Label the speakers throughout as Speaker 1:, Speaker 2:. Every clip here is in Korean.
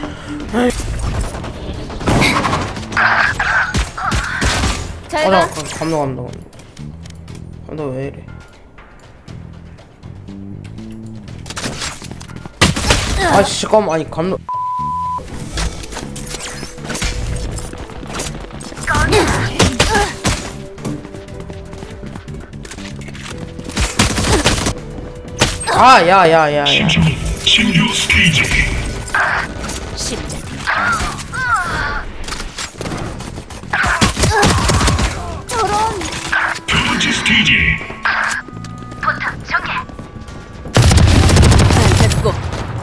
Speaker 1: 잘가.
Speaker 2: 감독 왜 이래? 아 잠깐만, 아니 감독. 아, 야야야야.
Speaker 3: 신규 스테이지.
Speaker 1: 저런.
Speaker 3: 두 번째 스테이지.
Speaker 1: 됐고.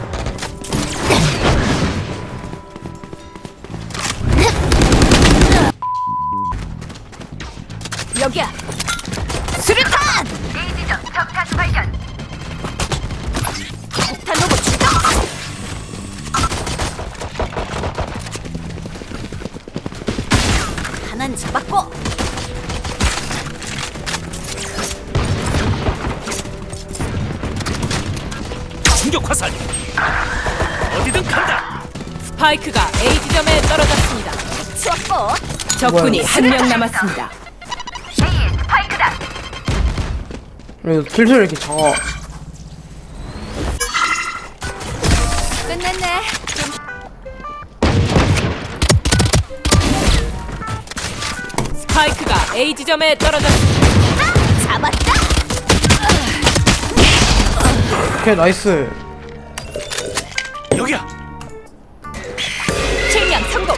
Speaker 1: 여기야. 수류탄. A지점 적타수 발견. 폭탄 로봇 출동. 하나는 잡았고.
Speaker 4: 충격 화살. 어디든 간다.
Speaker 5: 스파이크가 A 지점에 떨어졌습니다.
Speaker 1: 추웠고.
Speaker 5: 적군이
Speaker 2: 뭐야?
Speaker 5: 한 명 남았습니다.
Speaker 1: A의 스파이크다.
Speaker 2: 이거 슬슬 이렇게 작아.
Speaker 1: 끝냈네.
Speaker 5: 스파이크가 A 지점에 떨어졌습니다.
Speaker 1: 잡았다.
Speaker 2: 오케이, 나이스.
Speaker 4: 여기야.
Speaker 1: 실명 성공.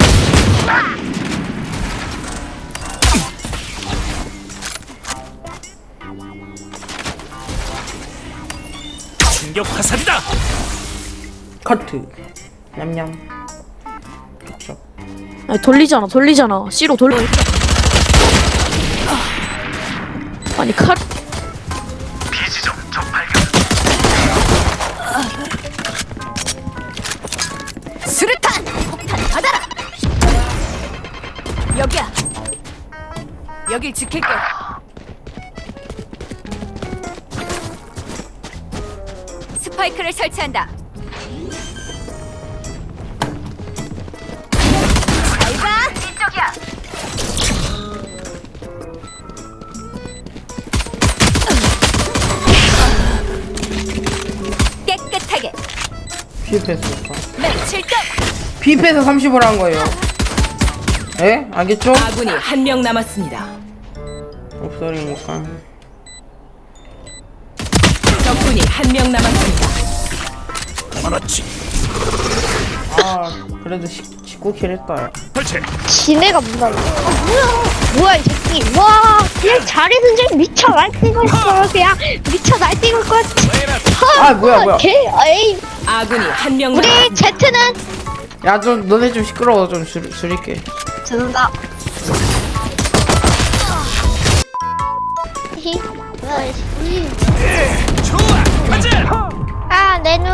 Speaker 4: 충격 화살이다.
Speaker 2: 커트. 냠냠. 촉촉.
Speaker 6: 아니 돌리잖아 C로 돌려. 아니 칼.
Speaker 3: 비지점 적 발견.
Speaker 1: 수류탄. 폭탄 받아라. 여기야. 여길 지킬게. 스파이크를 설치한다. 잘가. 이쪽이야. 깨끗하게.
Speaker 2: 피패스니까.
Speaker 1: 맨 7점.
Speaker 2: 피패스 30을 한 거예요. 에? 알겠죠?
Speaker 5: 아군이 한 명 남았습니다.
Speaker 2: 없어리니까.
Speaker 5: 적군이 한 명 남았습니다.
Speaker 4: 그렇지.
Speaker 2: 아, 그래도 19킬 했다. 야.
Speaker 4: 설치.
Speaker 7: 지네가 뭔가 뭐야 이 새끼. 와 그냥 잘해서 지금 미쳐 날뛰고 있어. 그냥 미쳐 날뛰고 있고.
Speaker 2: 아, 뭐야.
Speaker 7: 개 에이.
Speaker 5: 아군이 한 명
Speaker 7: 우리
Speaker 5: 남았습니다.
Speaker 7: 제트는
Speaker 2: 야, 좀 너네 좀 시끄러워. 좀 줄일게.
Speaker 7: 죄송합니다.
Speaker 4: 좋아. 가자.
Speaker 7: 아내 눈.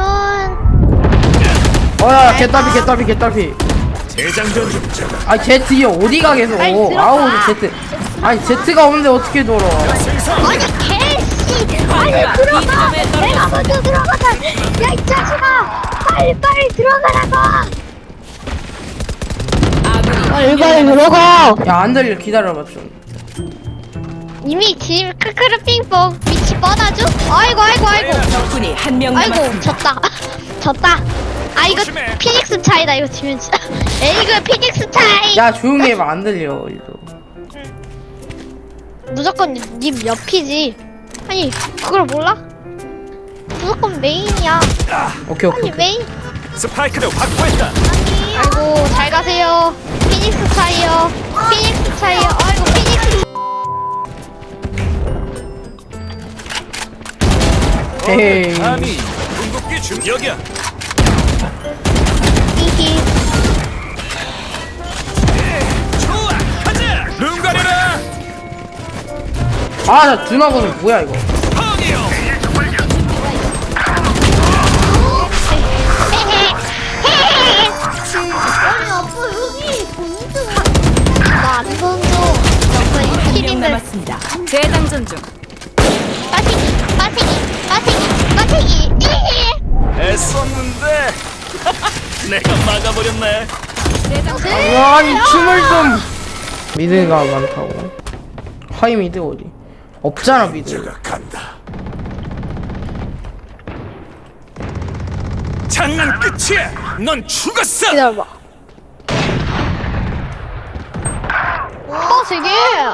Speaker 2: 어야, 개따비.
Speaker 4: 재장전 중.
Speaker 2: 아, 제트 어디 가 계속.
Speaker 7: 빨리 들어가.
Speaker 2: 아우, 제트. 아니, 제트가 없는데 어떻게 돌아?
Speaker 7: 아니 개씨. 빨리
Speaker 5: 스파이크가 B
Speaker 7: 들어가.
Speaker 5: 지점에
Speaker 7: 내가
Speaker 5: 떨어졌습니다.
Speaker 7: 먼저 들어가자. 야 이 자식아. 빨리 들어가라고.
Speaker 5: 아군이
Speaker 7: 빨리 들어가.
Speaker 2: 야, 안 들려. 기다려봐 좀.
Speaker 7: 이미 지금 크크르 핑퐁 위치 뻔하죠? 아이고
Speaker 5: 적군이 한 명
Speaker 7: 아이고
Speaker 5: 남았습니다.
Speaker 7: 졌다 아 이거
Speaker 4: 조심해.
Speaker 7: 피닉스 차이다 이거 지면 진짜 에이그 피닉스 차이
Speaker 2: 야, 조용히 해봐. 안 들려. 이거.
Speaker 7: 무조건 님 옆이지 아니 그걸 몰라? 무조건 메인이야
Speaker 2: 오케이.
Speaker 7: 아니 메인
Speaker 4: 스파이크를 확보했다.
Speaker 7: 아이고 잘 가세요 피닉스 차이요 피닉스 차이요 아이고 피닉스
Speaker 2: 에이.
Speaker 4: 감히 궁극기 중. 여기야.
Speaker 7: 히히
Speaker 4: 좋아. 가자. 눈 가려라.
Speaker 2: 아, 나 준하고는 뭐야 이거?
Speaker 4: 펑이요.
Speaker 7: 아니 아빠 여기 나안 던져 아빠 이
Speaker 5: 한 명
Speaker 7: 키링들
Speaker 5: 남았습니다.
Speaker 1: 재장전 중.
Speaker 7: 빠세기
Speaker 4: 애썼는데. 내가 막아버렸네.
Speaker 2: 아니 춤을 좀. 미드가 많다고. 하이 미드 어디? 없잖아 미드.
Speaker 4: 간다. 장난 끝이야. 넌 죽었어.
Speaker 7: 기다려봐. 세게.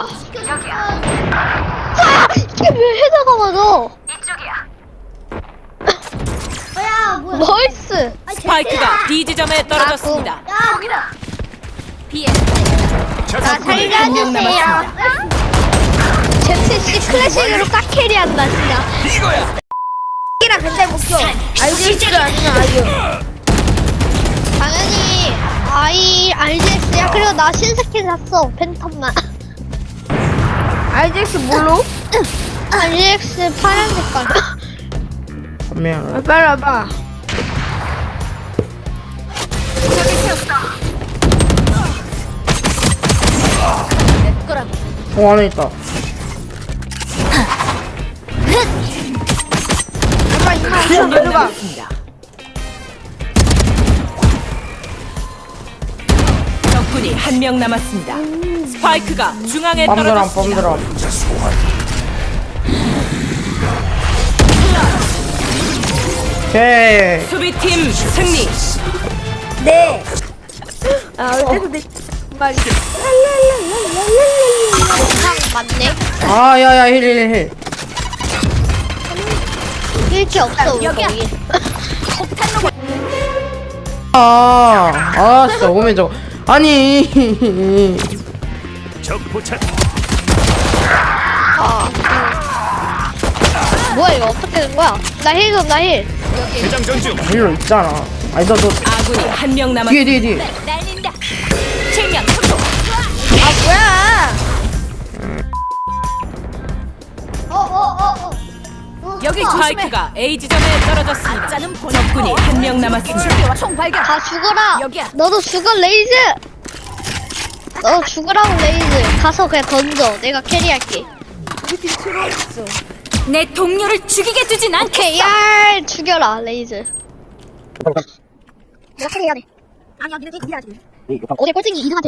Speaker 7: 아, 이게 왜 헤드가 맞아? 나이스.
Speaker 5: 스파이크가 B 지점에 떨어졌습니다.
Speaker 7: 나
Speaker 5: 한명 남았습니다.
Speaker 7: ZC 클래식으로 딱 캐리한다 진짜.
Speaker 4: 이거야.
Speaker 7: 이랑 근데 목표 RGX를 아니면 아이유. 당연히 RGX야. 그리고 나 신스킨 샀어. 팬텀만.
Speaker 6: RGX 뭘로?
Speaker 7: RGX 파란 색깔.
Speaker 2: 미안.
Speaker 6: 빨리 와봐.
Speaker 2: 안에 있다.
Speaker 5: 한명 남았습니다. 적군이 한 명 남았습니다. 스파이크가 중앙에
Speaker 2: 빰드람
Speaker 5: 떨어졌습니다.
Speaker 2: 빰드람. 오케이.
Speaker 5: 수비팀 승리.
Speaker 7: 맞네.
Speaker 2: 아 야야 힐.
Speaker 7: 일치 없어 우리
Speaker 1: 여기야.
Speaker 7: 거기.
Speaker 2: 진짜 오면 저거. 아니.
Speaker 4: 적 포착.
Speaker 7: 뭐야 이거 어떻게 된 거야? 나 힐 좀, 나 힐.
Speaker 4: 대장 전중.
Speaker 2: 힐로 있잖아. 아니 너
Speaker 5: 아군이 한 명 남았습니다.
Speaker 2: 뒤에.
Speaker 1: 날린다. 체면 속도. 여기 조심해.
Speaker 5: 스파이크가 A 지점에 떨어졌습니다.
Speaker 1: 가짜는 보내고.
Speaker 5: 적군이 한 명 남았습니다.
Speaker 1: 준비와 총 발견.
Speaker 7: 다 죽어라.
Speaker 1: 여기야.
Speaker 7: 너도 죽어 레이즈. 너 죽으라고 레이즈. 가서 그냥 던져. 내가 캐리할게.
Speaker 1: 내 동료를 죽이게 두진 않겠어.
Speaker 7: 오케이 얄 죽여라 레이즈. 내가 캐리해야 돼. 아니야 니네 니가 해야지. 어제 꼴등이 이상한데.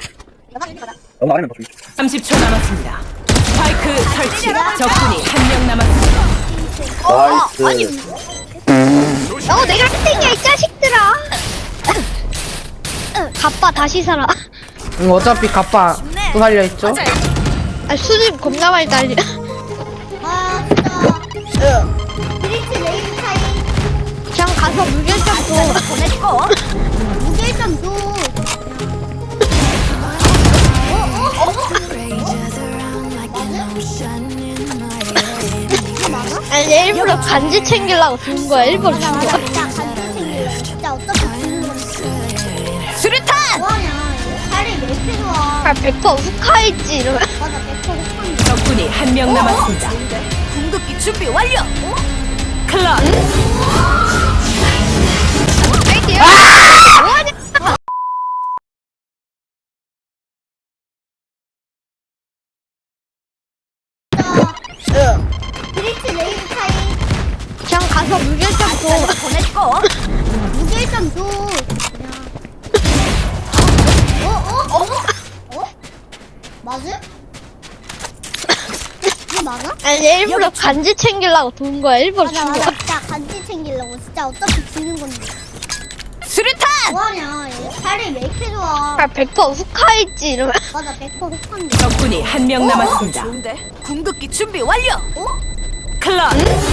Speaker 5: 30초 남았습니다. 스파이크 설치. 적군이 한 명 남았습니다.
Speaker 7: 내가 1등이야 이 자식들아. 가빠 다시 살아.
Speaker 2: 어차피 갑바 또 달려 있죠.
Speaker 7: 아 수집 겁나 많이 달려.
Speaker 8: 브릿지 레이즈 타임
Speaker 7: 그냥 가서 무결점 줘.
Speaker 1: 보냈고.
Speaker 8: 무결점 도
Speaker 7: 아니 얘 일부러 간지 챙기려고 준 거야. 일부러 준 거야.
Speaker 8: 진짜 간지 챙길래 진짜 어떻게 주는 건데
Speaker 1: 수류탄.
Speaker 8: 뭐하냐 살이 몇 킬로야
Speaker 7: 아 100% 후카이지 이러면.
Speaker 8: 맞아 100% 흑한데
Speaker 5: 적군이 한 명 남았습니다.
Speaker 1: 궁극기 준비 완료.
Speaker 5: 클럽.
Speaker 7: 뭐하냐?
Speaker 8: 브릿지 레이즈 타임
Speaker 7: 그냥 가서 무결점 줘.
Speaker 1: 보냈고.
Speaker 8: 무결점 도 맞음? 이거 맞아?
Speaker 7: 아니 얘 일부러 간지 챙기려고 돈 거야. 일부러
Speaker 8: 맞아
Speaker 7: 준
Speaker 8: 맞아
Speaker 7: 거야.
Speaker 8: 진짜 간지 챙기려고 진짜 어떻게 주는 건데
Speaker 1: 수류탄.
Speaker 8: 뭐하냐 얘 살이 왜 이렇게 좋아
Speaker 7: 아 100% 후카이지 이러면.
Speaker 8: 맞아 100% 흑한데
Speaker 5: 적군이 한 명 남았습니다.
Speaker 1: 좋은데. 궁극기 준비 완료.
Speaker 5: 클럽.